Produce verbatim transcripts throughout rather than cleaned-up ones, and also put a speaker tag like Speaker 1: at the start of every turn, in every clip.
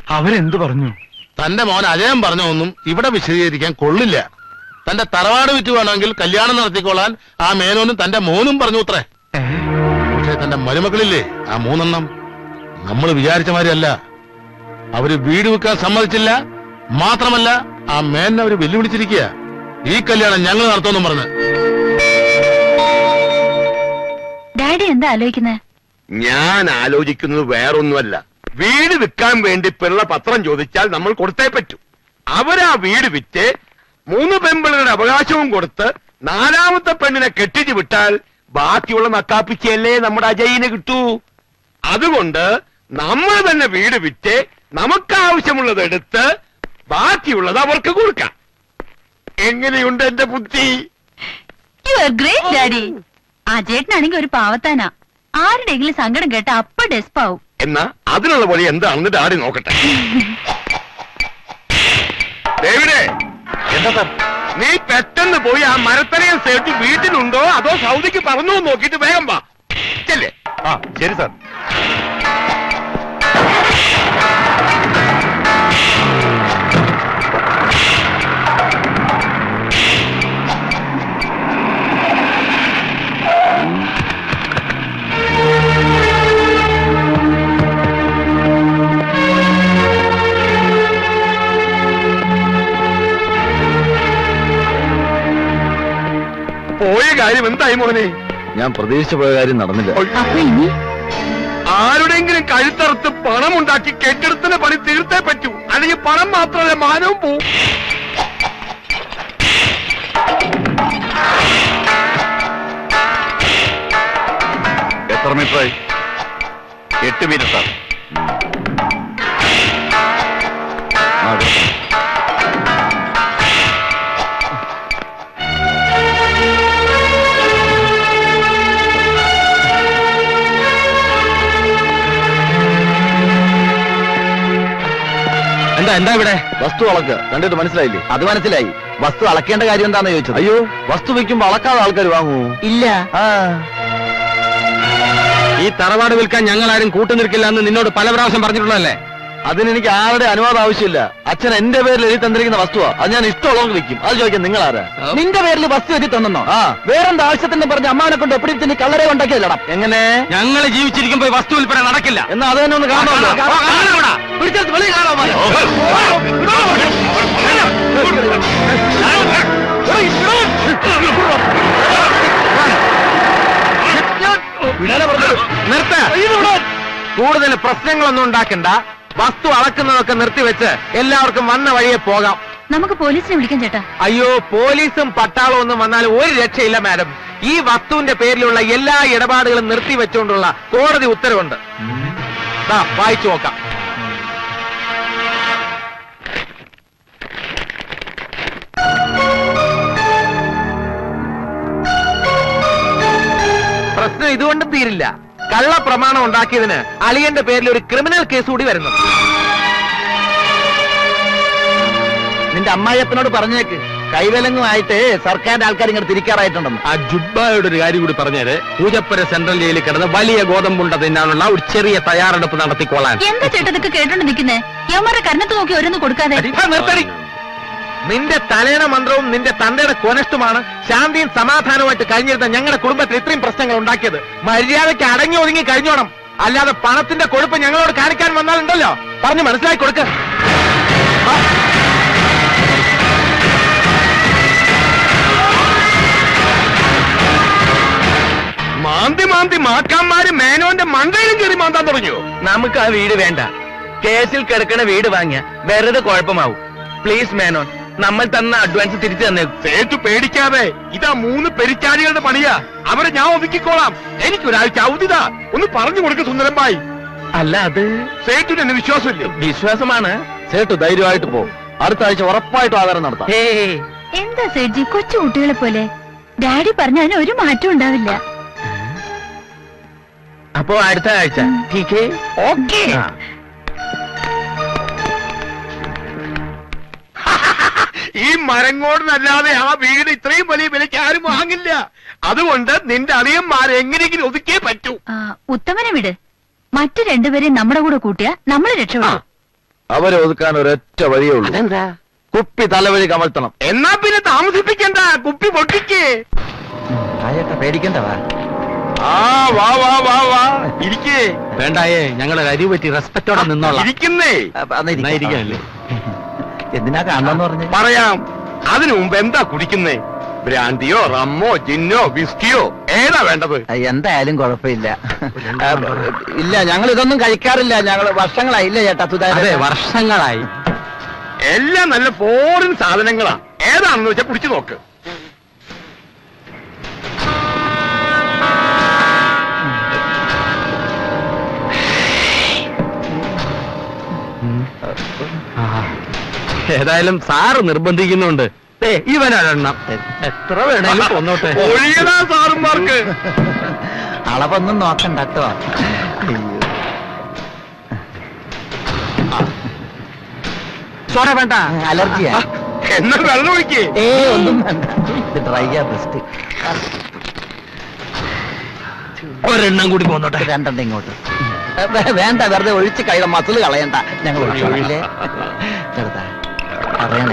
Speaker 1: അവരെന്ത് പറഞ്ഞു?
Speaker 2: തന്റെ മോൻ അജയം പറഞ്ഞൊന്നും ഇവിടെ വിശദീകരിക്കാൻ കൊള്ളില്ല. തന്റെ തറവാട് വിറ്റ് വേണമെങ്കിൽ കല്യാണം നടത്തിക്കൊള്ളാൻ ആ മേനോനും തന്റെ മോനും പറഞ്ഞു അത്രേ. പക്ഷെ തന്റെ മരുമക്കളില്ലേ ആ മൂന്നെണ്ണം, നമ്മൾ വിചാരിച്ച മാതിരിയല്ല. അവര് വീട് വെക്കാൻ സമ്മതിച്ചില്ല. മാത്രമല്ല ആ മേനെ അവര് വെല്ലുവിളിച്ചിരിക്കുക. ഈ കല്യാണം ഞങ്ങൾ നടത്തുമെന്നും പറഞ്ഞ്.
Speaker 3: ഡാഡി എന്താ ആലോചിക്കുന്നത്?
Speaker 4: ഞാൻ ആലോചിക്കുന്നത് വേറൊന്നുമല്ല. വീട് വിൽക്കാൻ വേണ്ടി പിള്ള പത്രം ചോദിച്ചാൽ നമ്മൾ കൊടുത്തേ പറ്റൂ. അവരാ വീട് വിറ്റ് മൂന്ന് പെൺപിള്ളയുടെ അവകാശവും കൊടുത്ത് നാലാമത്തെ പെണ്ണിനെ കെട്ടിച്ചു വിട്ടാൽ ബാക്കിയുള്ള നക്കാപ്പിച്ചല്ലേ നമ്മുടെ അജയിന് കിട്ടൂ. അതുകൊണ്ട് നമ്മൾ തന്നെ വീട് വിറ്റ് നമുക്ക് ആവശ്യമുള്ളത് എടുത്ത് ബാക്കിയുള്ളത് അവർക്ക് കൊടുക്കാം. എങ്ങനെയുണ്ട് എന്റെ ബുദ്ധി?
Speaker 3: You are great daddy. ആ ചേട്ടനാണെങ്കിൽ ഒരു പാവത്താനാ. ആരുടെയെങ്കിലും സങ്കടം കേട്ട അപ്പ ഡെസ്പാവും.
Speaker 4: എന്നാ അതിനുള്ള വഴി എന്താണെന്ന് ഡാഡി നോക്കട്ടെ. ഡേവിഡേ, എന്താ സാർ? നീ പെട്ടെന്ന് പോയി ആ മരത്തലയും സേട്ട് വീട്ടിലുണ്ടോ അതോ സൗദിക്ക് പറഞ്ഞോ നോക്കിയിട്ട് വേഗം വാ. ചെല്ലേ.
Speaker 1: ആ ശരി സാർ.
Speaker 4: പോയ കാര്യം എന്തായി മോനെ?
Speaker 1: ഞാൻ പ്രതീക്ഷിച്ച പോയ കാര്യം നടന്നില്ല.
Speaker 3: അപ്പൊ ഇനി
Speaker 4: ആരുടെങ്കിലും കഴുത്തറുത്ത് പണം ഉണ്ടാക്കി കെട്ടിടത്തിന് പണി തീർത്തേ പറ്റൂ. അല്ലെങ്കിൽ പണം മാത്രമല്ല മാനവും പോവും.
Speaker 1: എത്ര മീറ്ററായി?
Speaker 4: എട്ട് മീറ്റർ സാർ.
Speaker 1: എന്താ എന്താ ഇവിടെ? വസ്തു അളക്ക്. കണ്ടിട്ട് മനസ്സിലായില്ലേ? അത് മനസ്സിലായി. വസ്തു അളക്കേണ്ട കാര്യം എന്താണെന്ന് ചോദിച്ചത്. അയ്യോ, വസ്തു വെക്കുമ്പോ അളക്കാതെ ആൾക്കാർ വാങ്ങൂ? ഇല്ല.
Speaker 2: ഈ തറവാട് വിൽക്കാൻ ഞങ്ങൾ ആരും കൂട്ടുനിൽക്കില്ല എന്ന് നിന്നോട് പല പ്രാവശ്യം പറഞ്ഞിട്ടുള്ളതല്ലേ?
Speaker 1: അതിനെനിക്ക് ആരുടെ അനുവാദം ആവശ്യമില്ല. അച്ഛൻ എന്റെ പേരിൽ എഴുതി തന്നിരിക്കുന്ന വസ്തുവാ. അത് ഞാൻ ഇഷ്ടമുള്ളവർക്ക് വെക്കും. അത് ചോദിക്കാൻ നിങ്ങൾ ആരാ?
Speaker 5: നിന്റെ പേരിൽ വസ്തു എഴുതി തന്നോ? ആ, വേറെന്താ ആവശ്യത്തിന് പറഞ്ഞ അമ്മാനെ കൊണ്ട് എപ്പിടിച്ച് നീ കള്ളരെ ഉണ്ടാക്കിയല്ലടാ.
Speaker 1: എങ്ങനെ?
Speaker 2: ഞങ്ങൾ ജീവിച്ചിരിക്കുമ്പോ വസ്തു വിൽപ്പന നടക്കില്ല.
Speaker 1: എന്നാ അത് തന്നെ ഒന്ന് കാണാമല്ലോ.
Speaker 5: പിടിച്ചെടുത്ത് വെളിയിൽ കാണാമോ?
Speaker 2: കൂടുതൽ പ്രശ്നങ്ങളൊന്നും ഉണ്ടാക്കണ്ട. വസ്തു അളക്കുന്നതൊക്കെ നിർത്തിവെച്ച് എല്ലാവർക്കും വന്ന വഴിയെ പോകാം.
Speaker 3: നമുക്ക് പോലീസിനെ വിളിക്കാം ചേട്ടാ.
Speaker 2: അയ്യോ, പോലീസും പട്ടാളവും ഒന്നും വന്നാൽ ഒരു രക്ഷയില്ല മാഡം. ഈ വസ്തുവിന്റെ പേരിലുള്ള എല്ലാ ഇടപാടുകളും നിർത്തിവെച്ചുകൊണ്ടുള്ള കോടതി ഉത്തരവുണ്ട്. വായിച്ചു നോക്കാം. പ്രശ്നം ഇതുകൊണ്ടും തീരില്ല. കള്ള പ്രമാണം ഉണ്ടാക്കിയതിന് അളിയന്റെ പേരിൽ ഒരു ക്രിമിനൽ കേസ് കൂടി വരുന്നു.
Speaker 5: നിന്റെ അമ്മായിയപ്പനോട് പറഞ്ഞേക്ക് കൈവലങ്ങുമായിട്ട് സർക്കാരിന്റെ ആൾക്കാർ ഇങ്ങനെ തിരിക്കാറായിട്ടുണ്ടെന്ന്.
Speaker 2: ആ ജുബ്ബായോട് ഒരു കാര്യം കൂടി പറഞ്ഞത്, പൂജപ്പുര സെൻട്രൽ ജയിലിൽ കിടന്ന് വലിയ ഗോതമ്പുണ്ട തിന്നാനുള്ള ഒരു ചെറിയ തയ്യാറെടുപ്പ് നടത്തിക്കോളാൻ.
Speaker 3: എന്താ ചേട്ടാ ഇതൊക്കെ കേട്ടോണ്ട് നിൽക്കുന്നേ? യവന്മാരെ കരണത്ത് നോക്കി ഓരോന്ന് കൊടുക്കാതെ.
Speaker 2: നിർത്തടി. നിന്റെ തലേണ മന്ത്രവും നിന്റെ തന്തയുടെ കൊനഷ്ടുമാണ് ശാന്തിയും സമാധാനവുമായിട്ട് കഴിഞ്ഞിരുന്ന ഞങ്ങളുടെ കുടുംബത്തിൽ ഇത്രയും പ്രശ്നങ്ങൾ ഉണ്ടാക്കിയത്. മര്യാദയ്ക്ക് അടങ്ങി ഒതുങ്ങി കഴിഞ്ഞോണം. അല്ലാതെ പണത്തിന്റെ കൊഴുപ്പ് ഞങ്ങളോട് കാണിക്കാൻ വന്നാലുണ്ടല്ലോ, പറഞ്ഞു മനസ്സിലാക്കി കൊടുക്ക.
Speaker 4: മാന്തി മാന്തി മാക്കാന്മാര് മേനോന്റെ മണ്ടയിലും കയറി മാന്താൻ തുടങ്ങിയോ?
Speaker 2: നമുക്ക് ആ വീട് വേണ്ട. കേസിൽ കിടക്കണ വീട് വാങ്ങിയ വെറുതെ കുഴപ്പമാവും. പ്ലീസ് മേനോൻ, നമ്മൾ തന്ന അഡ്വാൻസ് തിരിച്ചു തന്നെ.
Speaker 4: സേട്ടു പേടിക്കാതെ, ഇതാ മൂന്ന് പെരിച്ചാരികളുടെ പണിയാ. അവരെ ഞാൻ ഒതുക്കിക്കോളാം. എനിക്കൊരാഴ്ച അവധിതാ. ഒന്ന് പറഞ്ഞു കൊടുക്ക സുന്ദരമ്പായി.
Speaker 2: അല്ല, അത്
Speaker 4: സേട്ടുന് എന്നെ വിശ്വാസമില്ല.
Speaker 2: വിശ്വാസമാണ്.
Speaker 1: സേട്ടു ധൈര്യമായിട്ട് പോ. അടുത്ത ആഴ്ച ഉറപ്പായിട്ടും ആധാരം നടത്താം.
Speaker 3: എന്താ സേഠ്ജി കൊച്ചു കുട്ടികളെ പോലെ? ഡാഡി പറഞ്ഞ അതിന് ഒരു മാറ്റം ഉണ്ടാവില്ല.
Speaker 2: അപ്പോ അടുത്ത ആഴ്ച ഓക്കെ.
Speaker 4: ഈ മരങ്ങോടിനല്ലാതെ ആ വീട് ഇത്രയും വലിയ വിലയ്ക്ക് ആരും വാങ്ങില്ല. അതുകൊണ്ട് നിന്റെ അളിയന്മാരെ എങ്ങനെയെങ്കിലും ഒതുക്കിയേ പറ്റൂ.
Speaker 3: ഉത്തമനെ വിട്. മറ്റു രണ്ടുപേരെയും നമ്മുടെ കൂടെ കൂട്ടിയാ നമ്മൾ രക്ഷപ്പെടും.
Speaker 1: അവരെ ഒതുക്കാൻ ഒരൊറ്റ വഴിയേ ഉള്ളൂ.
Speaker 4: അതെന്താ?
Speaker 1: കുപ്പി തലവഴി കമഴ്ത്തണം.
Speaker 4: എന്നാ പിന്നെ താമസിപ്പിക്കണ്ട, കുപ്പി പൊട്ടിക്കേ.
Speaker 5: ആയേട്ടാ പേടിക്കണ്ടവാ.
Speaker 4: ആ വാ വാ വാ വാ ഇരിക്കേ.
Speaker 2: വേണ്ടായേ, ഞങ്ങളെ അരി പറ്റി റെസ്പെക്റ്റോടെ നിന്നോളാം.
Speaker 4: ഇരിക്കുന്നേ.
Speaker 2: ഇരിക്കാനല്ലേ?
Speaker 5: എന്തിനാ കാണണമെന്ന് പറഞ്ഞു?
Speaker 4: പറയാം. അതിനു മുമ്പ് എന്താ കുടിക്കുന്നേ? ബ്രാൻഡിയോ റമ്മോ ജിന്നോ വിസ്കിയോ ഏതാ വേണ്ടത്?
Speaker 5: എന്തായാലും കുഴപ്പമില്ല. ഇല്ല, ഞങ്ങൾ ഇതൊന്നും കഴിക്കാറില്ല. ഞങ്ങൾ വർഷങ്ങളായി. ഇല്ല ചേട്ടാ സുധാകരൻ,
Speaker 2: വർഷങ്ങളായി.
Speaker 4: എല്ലാം നല്ല ഫോറിൻ സാധനങ്ങളാ. ഏതാണെന്ന് വെച്ചാ കുടിച്ചു നോക്ക്.
Speaker 2: ഏതായാലും സാറ് നിർബന്ധിക്കുന്നുണ്ട്. ഇവനെണ്ണം എത്ര വേണേലും കൊന്നോട്ടെ.
Speaker 4: ഒഴിയണ സാറുമാർക്ക്.
Speaker 5: അളവൊന്നും നോക്കണ്ട കേട്ടോ.
Speaker 2: ചോര വേണ്ട,
Speaker 5: അലർജിയാ.
Speaker 4: എന്നാ വെള്ളം ഒഴിക്കേ.
Speaker 5: ഏ ഒന്നും വേണ്ട, ഇത് ഡ്രൈയാ ബെസ്റ്റ്.
Speaker 2: ഒരെണ്ണം കൂടി പോന്നോട്ടെ.
Speaker 5: രണ്ടെണ്ണം ഇങ്ങോട്ട്. വേ- വേണ്ട, വെറുതെ ഒഴിച്ച് കഴിയ മസില് കളയണ്ട. ഞങ്ങൾ ഒഴിച്ചോളാം. ചെറുതാ അറിയണേ.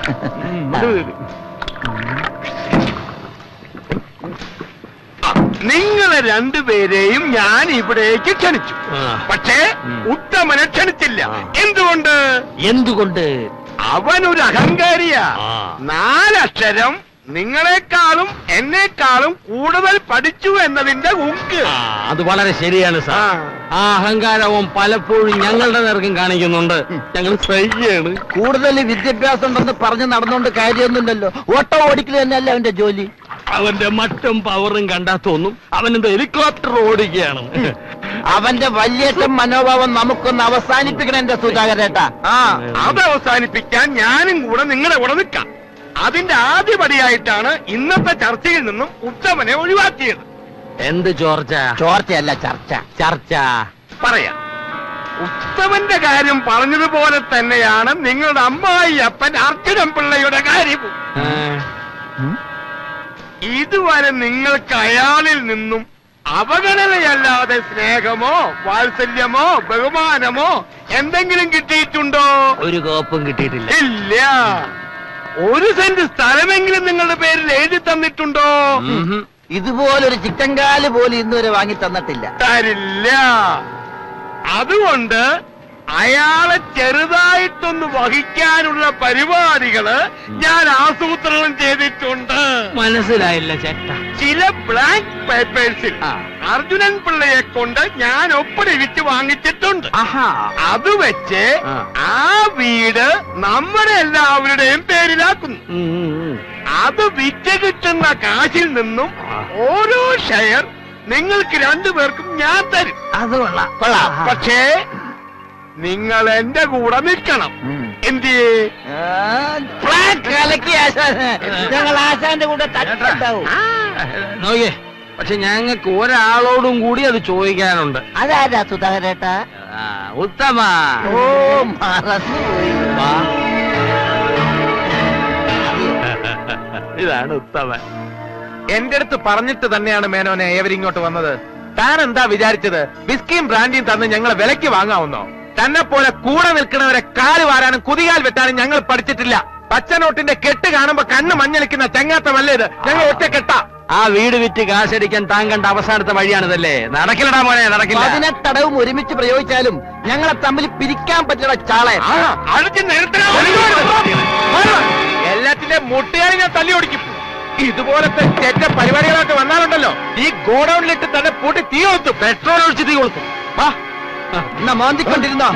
Speaker 4: നിങ്ങളെ രണ്ടുപേരെയും ഞാൻ ഇവിടേക്ക് ക്ഷണിച്ചു.
Speaker 2: ആ.
Speaker 4: പക്ഷേ ഉത്തമനെ ക്ഷണിച്ചില്ല. എന്തുകൊണ്ട്?
Speaker 2: എന്തുകൊണ്ട്?
Speaker 4: അവനൊരു അഹങ്കാരിയാ.
Speaker 2: ആ.
Speaker 4: നാലക്ഷരം നിങ്ങളെക്കാളും എന്നെക്കാളും കൂടുതൽ പഠിച്ചു എന്നതിന്റെ ഉക്ക്.
Speaker 2: ആ, അത് വളരെ ശരിയാണ് സാർ.
Speaker 4: ആ.
Speaker 2: ആ അഹങ്കാരവും പലപ്പോഴും ഞങ്ങളുടെ നേർക്കും കാണിക്കുന്നുണ്ട്. ഞങ്ങൾ സഹിയാണ്.
Speaker 5: കൂടുതൽ വിദ്യാഭ്യാസം ഉണ്ടെന്ന് പറഞ്ഞ് നടന്നുകൊണ്ട് കാര്യമൊന്നുമില്ലല്ലോ. ഓട്ടോ ഓടിക്കൽ തന്നെയല്ലേ അവന്റെ ജോലി.
Speaker 2: അവന്റെ മറ്റും പവറും കണ്ടാ തോന്നും അവനെന്ത് ഹെലികോപ്റ്റർ ഓടിക്കുകയാണ്.
Speaker 5: അവന്റെ വലിയേറ്റം മനോഭാവം നമുക്കൊന്ന് അവസാനിപ്പിക്കണം എന്റെ സുധാകരേട്ടാ. ആ
Speaker 4: അത് അവസാനിപ്പിക്കാൻ ഞാനും കൂടെ നിങ്ങളുടെ കൂടെ നിൽക്കാം. അതിന്റെ ആദ്യപടിയായിട്ടാണ് ഇന്നത്തെ ചർച്ചയിൽ നിന്നും ഉത്തമനെ ഒഴിവാക്കിയത്.
Speaker 2: എന്ത് ചോർച്ച?
Speaker 5: ചോർച്ചയല്ല, ചർച്ച.
Speaker 2: ചർച്ച
Speaker 4: പറയാം. ഉത്തമന്റെ കാര്യം പറഞ്ഞതുപോലെ തന്നെയാണ് നിങ്ങളുടെ അമ്മായി അപ്പൻ അർജുനൻ പിള്ളയുടെ കാര്യവും. ഇതുവരെ നിങ്ങൾക്ക് അയാളിൽ നിന്നും അവഗണനയല്ലാതെ സ്നേഹമോ വാത്സല്യമോ ബഹുമാനമോ എന്തെങ്കിലും കിട്ടിയിട്ടുണ്ടോ?
Speaker 2: ഒരു കോപ്പും കിട്ടിയിട്ടില്ല.
Speaker 4: ഇല്ല. ഒരു സെന്റ് സ്ഥലമെങ്കിലും നിങ്ങളുടെ പേരിൽ എഴുതി തന്നിട്ടുണ്ടോ?
Speaker 5: ഇതുപോലൊരു ചിക്കൻകാല് പോലും ഇന്നുവരെ വാങ്ങി തന്നിട്ടില്ല.
Speaker 4: തരില്ല. അതുകൊണ്ട് അയാളെ ചെറുതായിട്ടൊന്ന് വഹിക്കാനുള്ള പരിപാടികള് ഞാൻ ആസൂത്രണം ചെയ്തിട്ടുണ്ട്.
Speaker 2: മനസ്സിലായില്ല ചേട്ടാ.
Speaker 4: ചില ബ്ലാങ്ക് പേപ്പേഴ്സിൽ അർജുനൻ പിള്ളയെ കൊണ്ട് ഞാൻ ഒപ്പിടിവിച്ച് വാങ്ങിച്ചിട്ടുണ്ട്. അത് വെച്ച് ആ വീട് നമ്മുടെ എല്ലാവരുടെയും പേരിലാക്കുന്നു. അത് വിറ്റ് കിട്ടുന്ന കാശിൽ നിന്നും ഓരോ ഷെയർ നിങ്ങൾക്ക് രണ്ടുപേർക്കും ഞാൻ തരും.
Speaker 5: അത് കൊള്ളാം, കൊള്ളാം.
Speaker 4: പക്ഷേ നിങ്ങൾ എന്റെ കൂടെ നിൽക്കണം. എന്തിയേ?
Speaker 5: ഞങ്ങൾ ആശാന്റെ കൂടെ തട്ടുണ്ടാവും.
Speaker 2: നോക്കിയേ, പക്ഷെ ഞങ്ങൾക്ക് ഒരാളോടും കൂടി അത് ചോദിക്കാനുണ്ട്.
Speaker 5: അതാരാ സുധാകരേട്ടാ?
Speaker 2: ആ, ഉത്തമ.
Speaker 5: ഓ മറന്നുപോയി.
Speaker 2: ഇതാണ് ഉത്തമൻ.
Speaker 6: എന്റെ അടുത്ത് പറഞ്ഞിട്ട് തന്നെയാണ് മേനോനെ ഏവരിങ്ങോട്ട് വന്നത്. താൻ എന്താ വിചാരിച്ചത്? ബിസ്കിയും ബ്രാൻഡിയും തന്ന് ഞങ്ങളെ വിലയ്ക്ക് വാങ്ങാവുന്നോ? തന്നെ പോലെ കൂടെ നിൽക്കുന്നവരെ കാല് വാരാനും കുതികാൽ വെട്ടാനും ഞങ്ങൾ പഠിച്ചിട്ടില്ല. പച്ചനോട്ടിന്റെ കെട്ട് കാണുമ്പോ കണ്ണ് മഞ്ഞളിക്കുന്ന ചങ്ങാത്തമല്ലേ ഇത്? ഞങ്ങൾ ഒറ്റ കെട്ടാ.
Speaker 2: ആ വീട് വിറ്റ് കാശടിക്കാൻ താൻ കണ്ട അവസാനത്തെ വഴിയാണിതല്ലേ? നടക്കില്ലടാ മോനെ, നടക്കില്ല.
Speaker 5: പതിനെട്ടടവും ഒരുമിച്ച് പ്രയോഗിച്ചാലും ഞങ്ങളെ തമ്മിൽ പിരിക്കാൻ പറ്റുന്ന ചാളെ.
Speaker 6: എല്ലാത്തിന്റെ മുട്ടുകാരി ഞാൻ തല്ലി ഓടിക്കും. ഇതുപോലത്തെ ചെറ്റ പരിപാടികളൊക്കെ വന്നാലുണ്ടല്ലോ ഈ ഗോഡൌണിലിട്ട് തന്നെ പൂട്ടി തീ കൊളുത്തു.
Speaker 2: പെട്രോൾ ഒഴിച്ച് തീ കൊടുക്കും.
Speaker 5: വാ എന്നാ മോന്തിക്കൊണ്ടിരുന്നോ?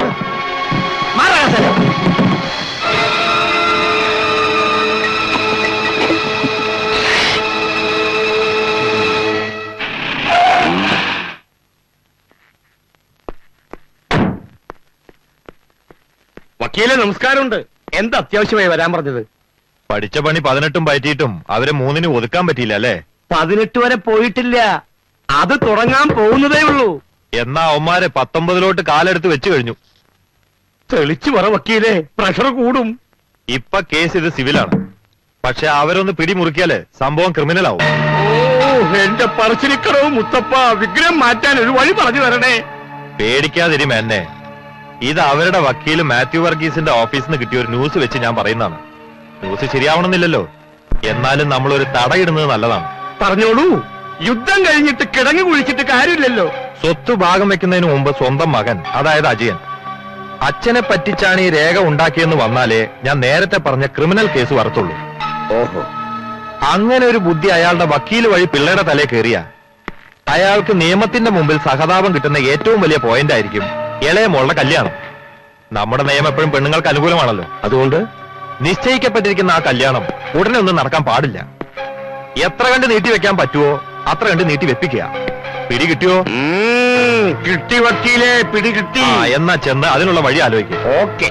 Speaker 4: വക്കീലെ നമസ്കാരമുണ്ട്. എന്താ അത്യാവശ്യമായി വരാൻ പറഞ്ഞത്?
Speaker 1: പഠിച്ച പണി പതിനെട്ടും പറ്റിയിട്ടും അവരെ മൂന്നിന് ഒതുക്കാൻ പറ്റിയില്ല അല്ലേ?
Speaker 4: പതിനെട്ട് വരെ പോയിട്ടില്ല, അത് തുടങ്ങാൻ പോകുന്നതേ ഉള്ളൂ.
Speaker 1: എന്നാ അവന്മാരെ പത്തൊമ്പതിലോട്ട് കാലെടുത്ത് വെച്ചു കഴിഞ്ഞു.
Speaker 4: തെളിച്ചു പറ വക്കീലെ, പ്രഷർ കൂടും.
Speaker 1: ഇപ്പൊ കേസ് ഇത് സിവിലാണ്. പക്ഷെ അവരൊന്ന് പിടിമുറുക്കിയാല് സംഭവം ക്രിമിനൽ ആവും.
Speaker 4: ഓ എന്റെ പറശ്ശിനിക്കടവ് മുത്തപ്പ, വിഗ്രഹം മാറ്റാൻ ഒരു വഴി പറഞ്ഞു തരണേ.
Speaker 1: പേടിക്കാതിരിമ എന്നെ. ഇത് അവരുടെ വക്കീല് മാത്യു വർഗീസിന്റെ ഓഫീസിൽ നിന്ന് കിട്ടിയ ഒരു ന്യൂസ് വെച്ച് ഞാൻ പറയുന്നതാണ്. ന്യൂസ് ശരിയാവണമെന്നില്ലല്ലോ, എന്നാലും നമ്മളൊരു തടയിടുന്നത് നല്ലതാണ്.
Speaker 4: പറഞ്ഞോളൂ. യുദ്ധം കഴിഞ്ഞിട്ട് കിടങ്ങി കുഴിച്ചിട്ട് കാര്യമില്ലല്ലോ.
Speaker 1: സ്വത്ത് ഭാഗം വെക്കുന്നതിന് മുമ്പ് സ്വന്തം മകൻ, അതായത് അജയൻ, അച്ഛനെ പറ്റിച്ചാണ് ഈ രേഖ ഉണ്ടാക്കിയെന്ന് വന്നാലേ ഞാൻ നേരത്തെ പറഞ്ഞ ക്രിമിനൽ കേസ് വരത്തുള്ളൂ.
Speaker 4: ഓഹോ,
Speaker 1: അങ്ങനെ ഒരു ബുദ്ധി അയാളുടെ വക്കീല് വഴി പിള്ളയുടെ തലേ കയറിയ അയാൾക്ക് നിയമത്തിന്റെ മുമ്പിൽ സഹതാപം കിട്ടുന്ന ഏറ്റവും വലിയ പോയിന്റ് ആയിരിക്കും ഇളയ മോളുടെ കല്യാണം. നമ്മുടെ നിയമം എപ്പോഴും പെണ്ണുങ്ങൾക്ക് അനുകൂലമാണല്ലോ. അതുകൊണ്ട് നിശ്ചയിക്കപ്പെട്ടിരിക്കുന്ന ആ കല്യാണം ഉടനെ ഒന്നും നടക്കാൻ പാടില്ല. എത്ര കണ്ട് നീട്ടി വെക്കാൻ പറ്റുമോ അത്ര കണ്ട് നീട്ടി വെപ്പിക്കുക. പിടി കിട്ടിയോ?
Speaker 4: കിട്ടി വക്കീലെ, പിടി കിട്ടി.
Speaker 1: ആ, എന്നാ ചെന്ന് അതിനുള്ള വഴി ആലോചിക്കുക.
Speaker 4: ഓക്കെ.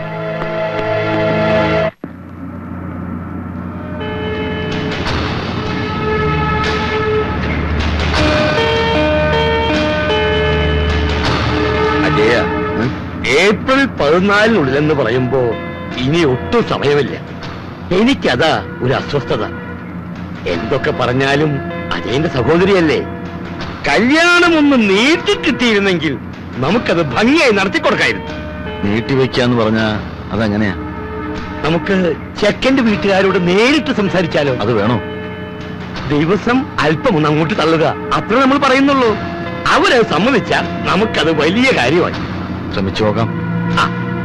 Speaker 4: അജയ, ഏപ്രിൽ പതിനാലിനുള്ളിലെന്ന് പറയുമ്പോ ഇനി ഒട്ടും സമയമില്ല. എനിക്കതാ ഒരു അസ്വസ്ഥത. എന്തൊക്കെ പറഞ്ഞാലും അജയന്റെ സഹോദരിയല്ലേ. കല്യാണം ഒന്ന് നീട്ടി കിട്ടിയിരുന്നെങ്കിൽ നമുക്കത് ഭംഗിയായി നടത്തിക്കൊടുക്കായിരുന്നു.
Speaker 1: നീട്ടിവെക്കാന്ന് പറഞ്ഞാ അതെങ്ങനെയാ?
Speaker 4: നമുക്ക് ചെക്കന്റെ വീട്ടുകാരോട് നേരിട്ട് സംസാരിച്ചാലോ?
Speaker 1: അത് വേണോ?
Speaker 4: ദിവസം അല്പം ഒന്ന് അങ്ങോട്ട് തള്ളുക, അത്ര നമ്മൾ പറയുന്നുള്ളൂ. അവരത് സമ്മതിച്ചാൽ നമുക്കത് വലിയ കാര്യമായി.
Speaker 1: ശ്രമിച്ചു നോക്കാം.
Speaker 4: ആ,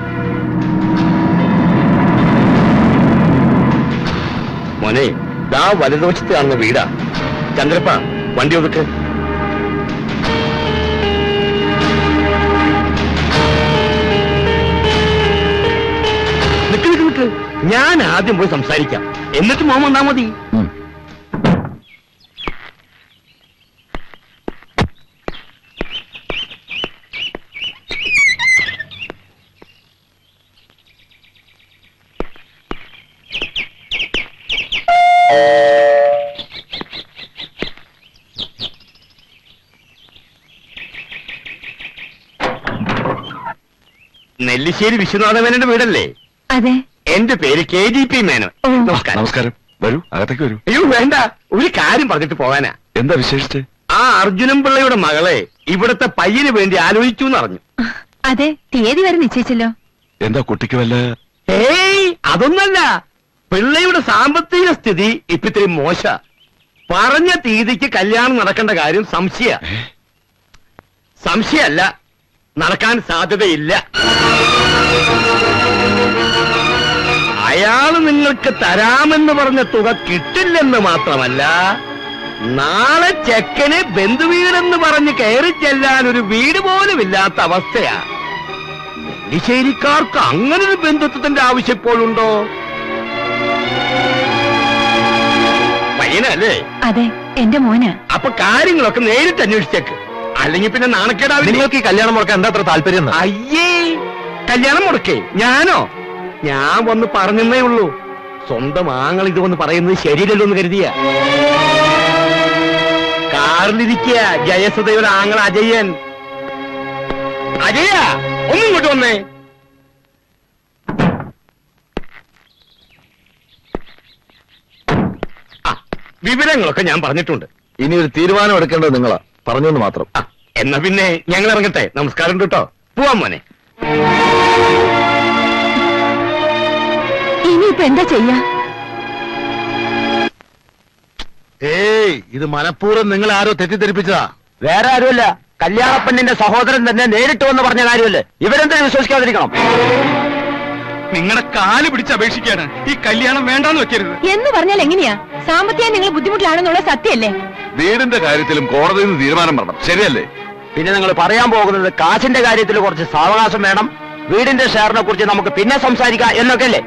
Speaker 4: മോനെ, ദാ വലതുവശത്ത് കാണുന്ന വീടാ. ചന്ദ്രപ്പ, വണ്ടി ഒതുക്ക്. നിക്ക് നിക്ക് നിക്ക്, ഞാൻ ആദ്യം പോയി സംസാരിക്കാം, എന്നിട്ട് മോൻ വന്നാ മതി. നെല്ലിശ്ശേരി വിശ്വനാഥ മേനോന്റെ വീടല്ലേ?
Speaker 3: അതെ.
Speaker 4: എന്റെ പേര് കെ ജി പി മേനോൻ. നമസ്കാരം.
Speaker 1: നമസ്കാരം. വരൂ, അകത്തേക്ക് വരൂ.
Speaker 4: അയ്യോ വേണ്ട, ഒരു കാര്യം പറഞ്ഞിട്ട് പോകാനാ.
Speaker 1: എന്താ വിശേഷിച്ച്?
Speaker 4: ആ അർജുനൻ പിള്ളയുടെ മകളെ ഇവിടത്തെ പയ്യന് വേണ്ടി ആലോചിച്ചു എന്നറിഞ്ഞു.
Speaker 3: അതെ, തീയതി വരെ നിശ്ചയിച്ചല്ലോ.
Speaker 1: എന്താ കുട്ടിക്ക് വല്ല?
Speaker 4: ഏയ്, അതൊന്നല്ല. പിള്ളയുടെ സാമ്പത്തിക സ്ഥിതി ഇപ്പൊ ഇത്തിരി മോശ. പറഞ്ഞ തീയതിക്ക് കല്യാണം നടക്കേണ്ട കാര്യം സംശയ സംശയല്ല നടക്കാൻ സാധ്യതയില്ല. അയാള് നിങ്ങൾക്ക് തരാമെന്ന് പറഞ്ഞ തുക കിട്ടില്ലെന്ന് മാത്രമല്ല, നാളെ ചെക്കന് ബന്ധുവീടെന്ന് പറഞ്ഞ് കയറി ചെല്ലാൻ ഒരു വീട് പോലും ഇല്ലാത്ത അവസ്ഥയാ. നെല്ലിശ്ശേരിക്കാർക്ക് അങ്ങനൊരു ബന്ധുത്വത്തിന്റെ ആവശ്യം ഇപ്പോഴുണ്ടോ? പയ്യനല്ലേ?
Speaker 3: അതെ, എന്റെ മോന്.
Speaker 4: അപ്പൊ കാര്യങ്ങളൊക്കെ നേരിട്ട് അന്വേഷിച്ചേക്ക്, അല്ലെങ്കിൽ പിന്നെ നാണക്കേടാവില്ല.
Speaker 1: നിങ്ങൾക്ക് ഈ കല്യാണം മുടക്കാൻ എന്താ അത്ര താല്പര്യം?
Speaker 4: അയ്യേ, കല്യാണം മുടക്കേ? ഞാനോ? ഞാൻ വന്ന് പറഞ്ഞേ ഉള്ളൂ. സ്വന്തം ആങ്ങൾ ഇത് വന്ന് പറയുന്നത് ശരിയല്ലല്ലോ എന്ന് കരുതിയ. കാറിലിരിക്കുക ജയസുധയുടെ ആങ്ങൾ അജയൻ. അജയ, ഒന്നും ഇങ്ങോട്ട് വന്നേ. വിവരങ്ങളൊക്കെ ഞാൻ പറഞ്ഞിട്ടുണ്ട്.
Speaker 1: ഇനി ഒരു തീരുമാനം എടുക്കേണ്ടത് നിങ്ങളാ. പറഞ്ഞെന്ന് മാത്രം.
Speaker 4: ആ, എന്നാ പിന്നെ ഞങ്ങൾ ഇറങ്ങട്ടെ. നമസ്കാരം കേട്ടോ. പോവാൻ മോനെ.
Speaker 3: ഇനിയിപ്പോ എന്താ ചെയ്യാ?
Speaker 2: ഏയ്, ഇത് മനഃപൂർവ്വം നിങ്ങൾ ആരോ തെറ്റിദ്ധരിപ്പിച്ചതാ.
Speaker 5: വേറെ ആരുമല്ല, കല്യാണപ്പെണ്ണിന്റെ സഹോദരൻ തന്നെ നേരിട്ട് വന്ന് പറഞ്ഞ കാര്യമല്ലേ. ഇവരെന്തിനും വിശ്വസിക്കാതിരിക്കണം?
Speaker 6: നിങ്ങളുടെ കാല് പിടിച്ച് അപേക്ഷിക്കാണ് ഈ കല്യാണം വേണ്ടാന്ന് വെക്കരുത്
Speaker 3: എന്ന് പറഞ്ഞാൽ എങ്ങനെയാ? സാമ്പത്തികം നിങ്ങൾ ബുദ്ധിമുട്ടിലാണെന്നുള്ള സത്യമല്ലേ?
Speaker 1: വീടിന്റെ കാര്യത്തിലും കോടതിയിൽ നിന്ന് തീരുമാനം വരണം, ശരിയല്ലേ?
Speaker 5: പിന്നെ നിങ്ങൾ പറയാൻ പോകുന്നത് കാശിന്റെ കാര്യത്തിൽ കുറച്ച് സാവകാശം വേണം, വീടിന്റെ ഷെയറിനെ കുറിച്ച് നമുക്ക് പിന്നെ സംസാരിക്കാം എന്നൊക്കെ അല്ലേ?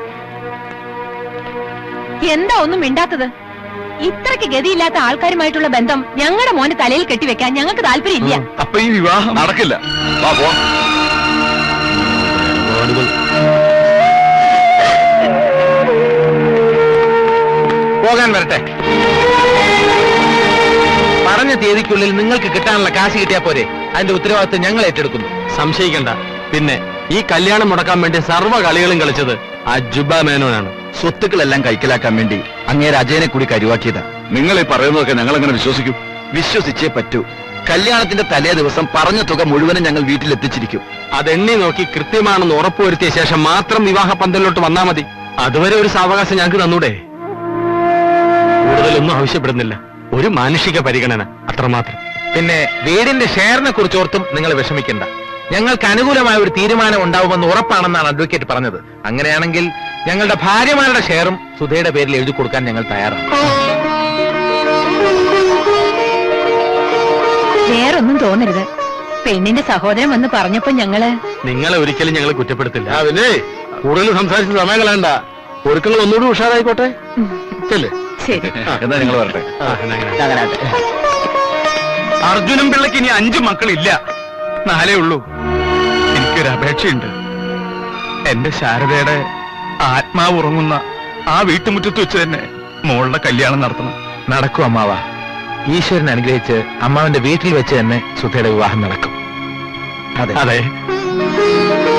Speaker 3: എന്താ ഒന്നും മിണ്ടാത്തത്? ഇത്രയ്ക്ക് ഗതിയില്ലാത്ത ആൾക്കാരുമായിട്ടുള്ള ബന്ധം ഞങ്ങളുടെ മോന്റെ തലയിൽ കെട്ടിവെക്കാൻ ഞങ്ങൾക്ക് താല്പര്യമില്ല.
Speaker 1: അപ്പൊ ഈ വിവാഹം നടക്കില്ല. വാ, പോ.
Speaker 6: പോകാൻ വരട്ടെ. പറഞ്ഞ തീയതിക്കുള്ളിൽ നിങ്ങൾക്ക് കിട്ടാനുള്ള കാശ് കിട്ടിയാ പോരെ? അതിന്റെ ഉത്തരവാദിത്വം ഞങ്ങൾ ഏറ്റെടുക്കുന്നു. സംശയിക്കണ്ട. പിന്നെ ഈ കല്യാണം മുടക്കാൻ വേണ്ടി സർവ്വ കളികളും കളിച്ചത് ആ ജുബ മേനോനാണ്.
Speaker 1: സ്വത്തുക്കളെല്ലാം കൈക്കലാക്കാൻ വേണ്ടി അങ്ങേര് അജയനെ കൂടി കരുവാക്കിയതാ. നിങ്ങൾ ഈ പറയുന്നതൊക്കെ ഞങ്ങൾ എങ്ങനെ വിശ്വസിക്കും? വിശ്വസിച്ചേ പറ്റൂ.
Speaker 5: കല്യാണത്തിന്റെ തലേ ദിവസം പറഞ്ഞ തുക മുഴുവനും ഞങ്ങൾ വീട്ടിലെത്തിച്ചിരിക്കും.
Speaker 7: അതെണ്ണി നോക്കി കൃത്യമാണെന്ന് ഉറപ്പുവരുത്തിയ ശേഷം മാത്രം വിവാഹ പന്തലിലോട്ട് വന്നാ മതി. അതുവരെ ഒരു സാവകാശം ഞങ്ങൾക്ക് തന്നൂടെ? കൂടുതലൊന്നും ആവശ്യപ്പെടുന്നില്ല, ഒരു മാനുഷിക പരിഗണന അത്രമാത്രം.
Speaker 6: പിന്നെ വീടിന്റെ ഷെയറിനെ കുറിച്ച് ഓർത്തും നിങ്ങൾ വിഷമിക്കണ്ട. ഞങ്ങൾക്ക് അനുകൂലമായ ഒരു തീരുമാനം ഉണ്ടാവുമെന്ന് ഉറപ്പാണെന്നാണ് അഡ്വക്കേറ്റ് പറഞ്ഞത്. അങ്ങനെയാണെങ്കിൽ ഞങ്ങളുടെ ഭാര്യമാരുടെ ഷെയറും സുധയുടെ പേരിൽ എഴുതി കൊടുക്കാൻ ഞങ്ങൾ തയ്യാറാണ്.
Speaker 3: വേറൊന്നും തോന്നരുത്. പെണ്ണിന്റെ സഹോദരൻ വന്ന് പറഞ്ഞപ്പോ ഞങ്ങള്
Speaker 7: നിങ്ങളെ ഒരിക്കലും ഞങ്ങൾ കുറ്റപ്പെടുത്തില്ല.
Speaker 2: ആ പിന്നെ കൂടുതൽ സംസാരിച്ച് സമയം കളയണ്ട. ഒരുക്കങ്ങൾ ഒന്നുകൂടി ഉഷാറായിക്കോട്ടെ. ചെല്ലേ.
Speaker 3: ശരി.
Speaker 5: എന്നാ നിങ്ങൾ വരട്ടെ. അങ്ങനാട്ടെ.
Speaker 7: അർജുനും പിള്ളയ്ക്ക് ഇനി അഞ്ചു മക്കളില്ല, നാലേ ഉള്ളൂ. എനിക്കൊരു അപേക്ഷയുണ്ട്. എന്റെ ശാരദയുടെ ആത്മാവ് ഉറങ്ങുന്ന ആ വീട്ടുമുറ്റത്ത് വെച്ച് തന്നെ മോളുടെ കല്യാണം നടത്തണം.
Speaker 6: നടക്കും അമ്മാവ. ഈശ്വരൻ അനുഗ്രഹിച്ച് അമ്മാവന്റെ വീട്ടിൽ വെച്ച് തന്നെ സുധയുടെ വിവാഹം നടക്കും.
Speaker 5: അതെ
Speaker 7: അതെ.